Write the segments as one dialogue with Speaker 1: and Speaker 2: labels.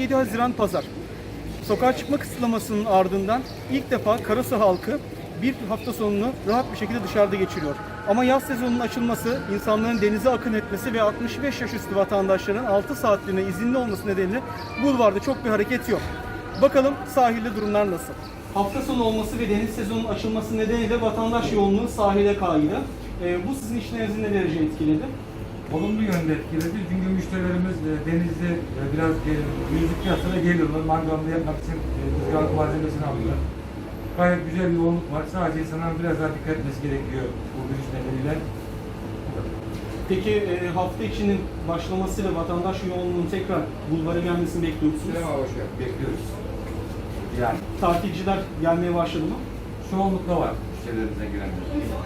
Speaker 1: 17 Haziran Pazar. Sokağa çıkma kısıtlamasının ardından ilk defa Karasu halkı bir hafta sonunu rahat bir şekilde dışarıda geçiriyor. Ama yaz sezonunun açılması, insanların denize akın etmesi ve 65 yaş üstü vatandaşların 6 saatliğine izinli olması nedeniyle bulvarda çok bir hareket yok. Bakalım sahilde durumlar nasıl? Hafta sonu olması ve deniz sezonunun açılması nedeniyle vatandaş yoğunluğu sahile kaydı. Bu sizin işlerinizi ne derece etkiledi?
Speaker 2: Olumlu yönde etkiledi. Çünkü müşterilerimiz denizde biraz yüzlük piyasasına geliyorlar. Mangalını yapmak için ızgara malzemesini alıyorlar. Gayet güzel bir yoğunluk var. Sadece insanların biraz daha dikkat etmesi gerekiyor bu virüs nedeniyle.
Speaker 1: Peki hafta içinin başlamasıyla vatandaş yoğunluğunun tekrar bulvara gelmesini bekliyor musunuz?
Speaker 2: Bekliyoruz. Yani
Speaker 1: Tatilciler gelmeye başladı mı?
Speaker 2: çoğunlukla var müşterilerimize girenler.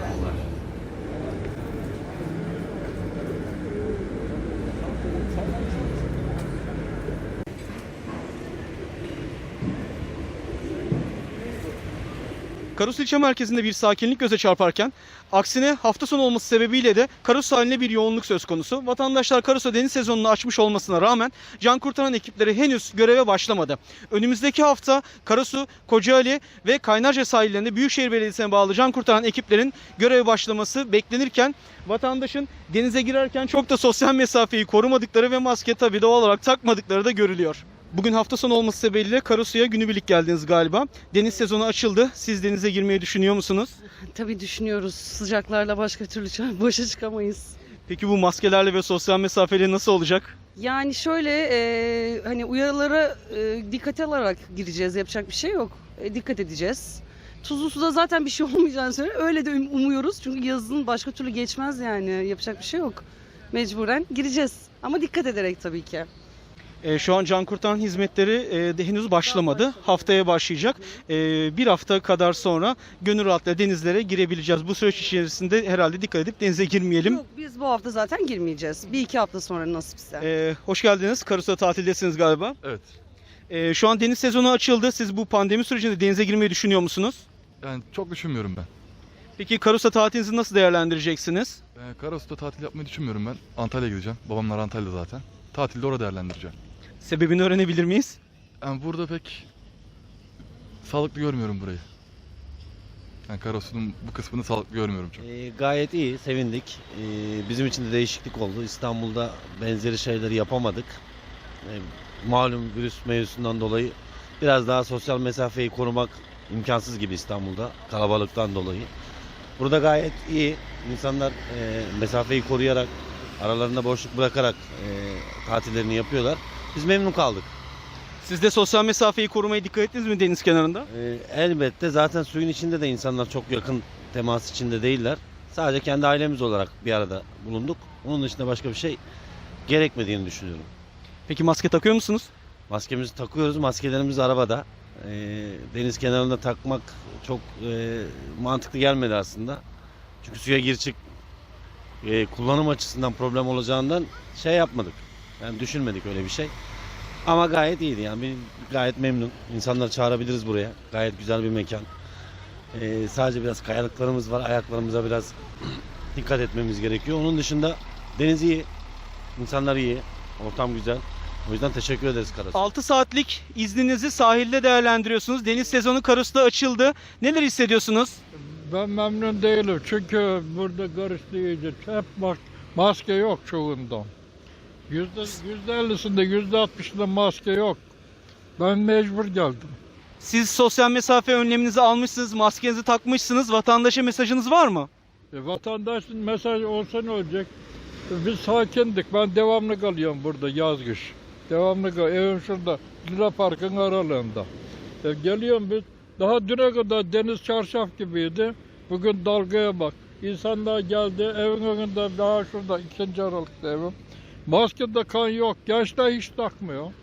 Speaker 1: Karasu ilçe merkezinde bir sakinlik göze çarparken aksine hafta sonu olması sebebiyle de Karasu sahiline bir yoğunluk söz konusu. Vatandaşlar Karasu deniz sezonunu açmış olmasına rağmen can kurtaran ekipleri henüz göreve başlamadı. Önümüzdeki hafta Karasu, Kocaeli ve Kaynarca sahillerinde Büyükşehir Belediyesi'ne bağlı can kurtaran ekiplerin göreve başlaması beklenirken vatandaşın denize girerken çok da sosyal mesafeyi korumadıkları ve maske tabii doğal olarak takmadıkları da görülüyor. Bugün hafta sonu olması sebebiyle Karasu'ya günübirlik geldiniz galiba. Deniz sezonu açıldı. Siz denize girmeyi düşünüyor musunuz?
Speaker 3: Tabii düşünüyoruz. Sıcaklarla başka türlü başa çıkamayız.
Speaker 1: Peki bu maskelerle ve sosyal mesafeyle nasıl olacak?
Speaker 3: Yani şöyle hani uyarılara dikkate alarak gireceğiz. Yapacak bir şey yok. Dikkat edeceğiz. Tuzlu suda zaten bir şey olmayacağını söyle. Öyle de umuyoruz. Çünkü yazın başka türlü geçmez yani. Yapacak bir şey yok. Mecburen gireceğiz. Ama dikkat ederek tabii ki.
Speaker 1: Şu an can kurtaran hizmetleri de henüz başlamadı. Haftaya başlayacak. Bir hafta kadar sonra gönül rahatlıkla denizlere girebileceğiz. Bu süreç içerisinde herhalde dikkat edip denize girmeyelim.
Speaker 3: Yok, biz bu hafta zaten girmeyeceğiz. Bir iki hafta sonra nasipse.
Speaker 1: Hoş geldiniz. Karasu'da tatildesiniz galiba.
Speaker 4: Evet.
Speaker 1: Şu an deniz sezonu açıldı. Siz bu pandemi sürecinde denize girmeyi düşünüyor musunuz?
Speaker 4: Yani çok düşünmüyorum ben.
Speaker 1: Peki Karasu tatilinizi nasıl değerlendireceksiniz?
Speaker 4: Karasu'da tatil yapmayı düşünmüyorum ben. Antalya'ya gideceğim. Babamlar Antalya'da zaten. Tatilde orada değerlendireceğim.
Speaker 1: Sebebini öğrenebilir miyiz?
Speaker 4: Yani burada pek sağlıklı görmüyorum burayı. Yani Karasu'nun bu kısmını sağlıklı görmüyorum çok.
Speaker 5: Gayet iyi, sevindik. Bizim için de değişiklik oldu. İstanbul'da benzeri şeyleri yapamadık. Malum virüs mevzusundan dolayı biraz daha sosyal mesafeyi korumak imkansız gibi İstanbul'da, kalabalıktan dolayı. Burada gayet iyi. İnsanlar mesafeyi koruyarak, aralarında boşluk bırakarak tatillerini yapıyorlar. Biz memnun kaldık.
Speaker 1: Siz de sosyal mesafeyi korumaya dikkat ettiniz mi deniz kenarında?
Speaker 5: Elbette zaten suyun içinde de insanlar çok yakın temas içinde değiller. Sadece kendi ailemiz olarak bir arada bulunduk. Onun dışında başka bir şey gerekmediğini düşünüyorum.
Speaker 1: Peki maske takıyor musunuz?
Speaker 5: Maskemizi takıyoruz, maskelerimiz arabada. Deniz kenarında takmak çok mantıklı gelmedi aslında. Çünkü suya gir çık kullanım açısından problem olacağından şey yapmadık. Yani düşünmedik öyle bir şey. Ama gayet iyiydi yani. Gayet memnun. İnsanları çağırabiliriz buraya. Gayet güzel bir mekan. Sadece biraz kayalıklarımız var. Ayaklarımıza biraz dikkat etmemiz gerekiyor. Onun dışında deniz iyi. İnsanlar iyi. Ortam güzel. O yüzden teşekkür ederiz Karasu.
Speaker 1: 6 saatlik izninizi sahilde değerlendiriyorsunuz. Deniz sezonu Karasu'da açıldı. Neler hissediyorsunuz?
Speaker 6: Ben memnun değilim çünkü burada karıştı iyice. Hep maske yok çoğunda. %50'sinde, %60'ında maske yok. Ben mecbur geldim.
Speaker 1: Siz sosyal mesafe önleminizi almışsınız, maskenizi takmışsınız. Vatandaşa mesajınız var mı?
Speaker 6: Vatandaşın mesajı olsa ne olacak? Biz sakindik. Ben devamlı kalıyorum burada yaz kış. Devamlı kalıyorum. Evim şurada. Lira Park'ın aralığında. Geliyorum biz. Daha düne kadar deniz çarşaf gibiydi. Bugün dalgaya bak. İnsanlar geldi. Evin önünde daha şurada 2. Aralık'ta evim. Maskede kan yok. Gençler hiç takmıyor.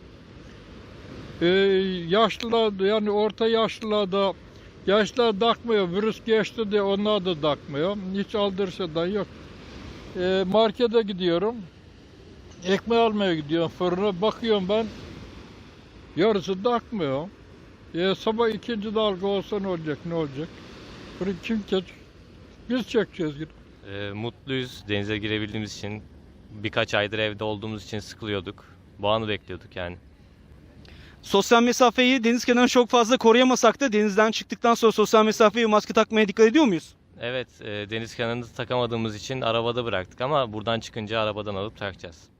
Speaker 6: Yaşlılar yani orta yaşlılar da gençler takmıyor. Virüs geçti diye onlar da takmıyor. Hiç aldırışından yok. Markete gidiyorum. Ekmeği almaya gidiyorum fırına. Bakıyorum ben. Yarısı takmıyor. Sabah 2. dalga olsa ne olacak? Ne olacak? Bunu kim çekecek? Biz çekeceğiz.
Speaker 7: Mutluyuz denize girebildiğimiz için. Birkaç aydır evde olduğumuz için sıkılıyorduk. Bu anı bekliyorduk yani.
Speaker 1: Sosyal mesafeyi deniz kenarında çok fazla koruyamasak da denizden çıktıktan sonra sosyal mesafeyi ve maske takmaya dikkat ediyor muyuz?
Speaker 7: Evet, deniz kenarında takamadığımız için arabada bıraktık ama buradan çıkınca arabadan alıp takacağız.